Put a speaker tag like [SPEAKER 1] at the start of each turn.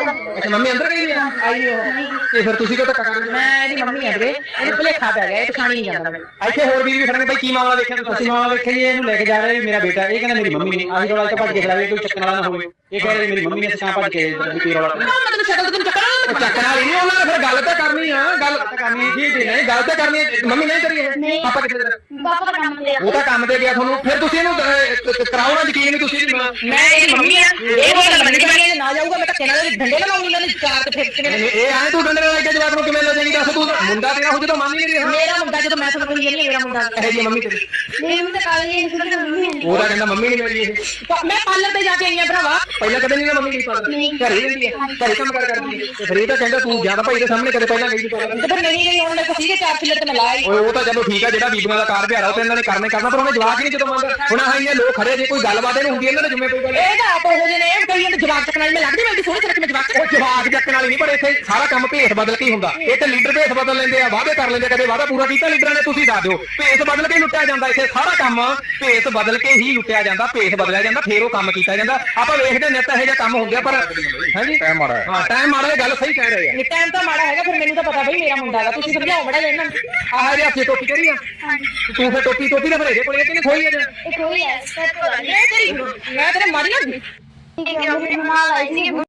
[SPEAKER 1] ਅੱਛਾ ਮੰਮੀ ਅੰਦਰ ਗਈ ਆ ਆਈ ਉਹ ਤੇ ਫਿਰ ਤੁਸੀਂ ਕਿਉਂ ਧੱਕਾ ਕਰ ਰਹੇ?
[SPEAKER 2] ਮੈਂ ਇਹਦੀ ਮੰਮੀ ਆ ਵੀਰੇ, ਇਹਨੂੰ ਭੁਲੇਖਾ ਪੈ ਗਿਆ, ਇਹ ਪਛਾਣ ਨਹੀਂ ਜਾਂਦਾ ਮੈਨੂੰ।
[SPEAKER 1] ਇੱਥੇ ਹੋਰ ਵੀ ਖੜਨਗੇ ਬਾਈ, ਕੀ ਮਾਮਲਾ ਦੇਖਿਆ ਤੁਸੀਂ?
[SPEAKER 3] ਅਸੀਂ ਮਾਮਲਾ ਵੇਖਿਆ ਜੀ, ਇਹਨੂੰ ਲੈ ਕੇ ਜਾ ਰਹੇ ਮੇਰਾ ਬੇਟਾ, ਇਹ ਕਹਿੰਦਾ ਮੇਰੀ ਮੰਮੀ ਨੇ। ਆਹੀ ਰੌਲਾ ਇੱਥੇ ਭੱਜ ਕੇ ਖੜਾ ਕੋਈ ਚੱਕਣ ਵਾਲਾ ਨਾ ਹੋਵੇ, ਇਹ ਕਹਿ ਰਹੇ ਮੇਰੀ ਮੰਮੀ ਨੇ, ਤਾਂ ਭੱਜ ਕੇ ਕੀ ਰੌਲਾ
[SPEAKER 2] ਤੈਨੂੰ ਸ਼ਕਲ ਤੈਨੂੰ ਚੱਕਣਾ
[SPEAKER 1] ਚੱਕਣ ਵਾਲੀ ਨਹੀਂ ਉਹਨਾਂ ਨੇ, ਫਿਰ ਗੱਲ ਤਾਂ ਕਰਨੀ ਆ, ਗੱਲ ਤਾਂ ਕਰਨੀ ਠੀਕ ਨਹੀਂ, ਗੱਲ ਤਾਂ ਕਰਨੀ ਹੈ। ਮੰਮੀ ਨਹੀਂ ਕਰੀ ਹੈ, ਪਾਪਾ ਕਿੱਥੇ ਤੇਰਾ?
[SPEAKER 4] ਪਾਪਾ ਦਾ ਕੰਮ ਤੇ
[SPEAKER 1] ਉਹ ਤਾਂ ਕੰਮ ਤੇ ਗਿਆ ਤੁਹਾਨੂੰ, ਫਿਰ ਤੁਸੀਂ ਇਹਨੂੰ ਕਰਾਓ ਨਾ ਯਕੀਨ ਨਹੀਂ ਤੁਸੀਂ
[SPEAKER 2] ਮੈਂ ਇਹਦੀ ਮੰਮੀ ਆ, ਇਹ ਉਹ ਗੱਲ ਮੰਨ ਕੇ ਨਾ ਜਾਊਗਾ, ਮੈਂ ਧੱਕੇ ਨਾਲ ਡੰਡੇ ਲਗਾਉਂਗੀ ਇਹਨਾਂ ਨੇ ਚਾਰ ਤੇ ਫਿਰ ਕਿਵੇਂ।
[SPEAKER 1] ਇਹ ਆਏ ਤੂੰ ਡੰਡੇ ਨਾਲ ਕੇ ਜਵਾਬ ਨੂੰ ਕਿਵੇਂ ਲੈ ਜਾਏਗੀ? ਦੱਸ ਤੂੰ ਮੁੰਡਾ ਤੇਰਾ ਹੋ ਜਦੋਂ ਮੰਨ ਹੀ ਨਹੀਂ ਰਿਹਾ।
[SPEAKER 2] ਮੇਰਾ ਮੁੰਡਾ ਜਦੋਂ ਮੈਂ ਤੁਹਾਨੂੰ ਕਹਿੰਦੀ ਮੇਰਾ ਮੁੰਡਾ
[SPEAKER 1] ਇਹ ਜੀ ਮੰਮੀ ਤੇਰੀ
[SPEAKER 4] ਮੇਰੀ ਤਾਂ ਕਾਲੀ ਨਹੀਂ ਸੁਣਦੀ ਮੰਮੀ ਹੈ।
[SPEAKER 1] ਉਹਦਾ ਕਹਿੰਦਾ ਮੰਮੀ ਨਹੀਂ ਮੇਰੀ ਇਹ।
[SPEAKER 2] ਮੈਂ ਪਾਰਲਰ ਤੇ ਜਾ ਕੇ ਆਈ ਆ ਭਰਾਵਾ।
[SPEAKER 1] ਪਹਿਲਾਂ ਕਦੇ ਨਹੀਂ ਨਾ ਮੰਮੀ ਗਈ ਪਾਲਰ, ਘਰੇ ਹੀ ਰਹਿੰਦੀ ਹੈ, ਘਰੇ ਕੰਮ ਕਰ ਕਰਦੀ ਹੈ। ਤੇ ਫਿਰ ਇਹ ਤਾਂ ਕਹਿੰਦਾ ਤੂੰ ਜਿਆਦਾ ਭਾਈ ਦੇ ਸਾਹਮਣੇ ਕਦੇ ਪਹਿਲਾਂ ਗਈ ਪਾਲਰ।
[SPEAKER 2] ਤੇ ਫਿਰ ਨਹੀਂ ਗਈ, ਹੁਣ ਮੇਰੇ ਕੋਲ ਸੀਗੇ ਚਾਰ ਫਿਲਰ ਤੇ ਮੈਂ ਲਾਈ।
[SPEAKER 1] ਓਏ ਉਹ ਤਾਂ ਚਲੋ ਠੀਕ ਆ, ਜਿਹੜਾ ਬੀਬੀਆਂ ਦਾ ਕਾਰ ਵਿਹਾਰ ਆ ਉਹ ਤਾਂ ਇਹਨਾਂ ਨੇ ਕਰਨੇ ਕਰਨਾ, ਪਰ ਉਹਨੇ ਜਵਾਬ ਹੀ ਨਹੀਂ ਜਦੋਂ ਮੰਗਦਾ। ਹੁਣ ਆਹ ਇੰਨੇ ਲੋਕ ਖੜੇ, ਜੇ ਕੋਈ ਗੱਲਬਾਤ ਇਹਨੂੰ ਹੁੰਦੀ ਇਹਨਾਂ ਨੇ ਜਿੰਮੇ ਕੋਈ ਗੱਲ
[SPEAKER 2] ਇਹ ਤਾਂ ਆਪ ਹੋ ਜੇ ਨੇ ਇਹ ਕਈ ਜਵਾਬ ਚੱਕਣ ਵਾਲੀ ਮੈਂ ਲੱਗਦੀ, ਮੈਂ ਸੋਹਣੀ ਤਰ੍ਹਾਂ ਮੈਂ ਜਵਾਬ
[SPEAKER 1] ਉਹ ਜਵਾਬ ਚੱਕਣ ਵਾਲੀ ਨਹੀਂ, ਪਰ ਇੱਥੇ ਸਾਰਾ ਕੰਮ ਭੇਸ ਬਦਲ ਕੇ ਹੀ ਹੁੰਦਾ। ਇਹ ਤੇ ਲੀਡਰ ਭੇਸ ਬਦਲ ਲੈਂਦੇ ਆ, ਵਾਅਦੇ ਕਰ ਲੈਂਦੇ, ਕਦੇ ਵਾਅਦਾ ਪੂਰਾ ਕੀਤਾ ਲੀਡਰਾਂ ਨੇ? ਤੁਸੀਂ ਦੱਸ ਦਿਓ, ਭੇਸ ਬਦਲ ਕੇ ਹੀ ਲੁੱਟਿਆ ਜਾਂਦਾ ਇੱਥੇ ਸਾਰਾ ਕੰਮ, ਭੇਸ ਬਦਲ ਕੇ ਹੀ ਲੁੱਟਿਆ ਜਾਂਦਾ, ਭੇਸ ਬਦਲਿਆ ਜਾਂਦਾ, ਫੇਰ ਉਹ ਕੰਮ ਕੀਤਾ ਜਾਂਦਾ। ਆਪਾਂ ਵੇਖਦੇ ਨਿੱਤ ਇਹੋ ਜਿਹਾ ਕੰਮ ਹੁੰਦੇ ਆ, ਪਰ ਹਾਂਜੀ ਟਾਈਮ ਮਾੜਾ ਹੈ। ਹਾਂ ਟਾਈਮ ਮਾੜਾ, ਇਹ ਗੱਲ ਸਹੀ ਕਹਿ ਰਹੇ ਆ।
[SPEAKER 2] ਟਾਈਮ ਤਾਂ ਮਾੜਾ ਹੈਗਾ, ਫਿਰ ਮੈਨੂੰ ਤਾਂ ਪਤਾ ਬਈ ਮੇਰਾ ਮੁੰਡਾ ਹੈਗਾ, ਤੁਸੀਂ ਸਮਝਾਓ ਬੜਾ ਇਹਨਾਂ ਨੂੰ।
[SPEAKER 1] ਆਹ ਜੇ ਆਪਣੀ ਟੋਪੀ ਕਰੀ ਆ ਤੂੰ, ਫਿਰ ਟੋਪੀ ਦਾ ਫਿਰ ਇਹਦੇ ਕੋਲ ਇਹ ਕਿਨੇ ਖੋਈ ਆ?
[SPEAKER 4] ਇਹ ਕੋਈ ਹੈ
[SPEAKER 2] ਮੈਂ ਤੇਰੀ ਮੈਂ ਤੇਰੇ ਮਾਰੀ ਨਾ
[SPEAKER 4] ਮੰਮਾ ਆਈ ਸੀ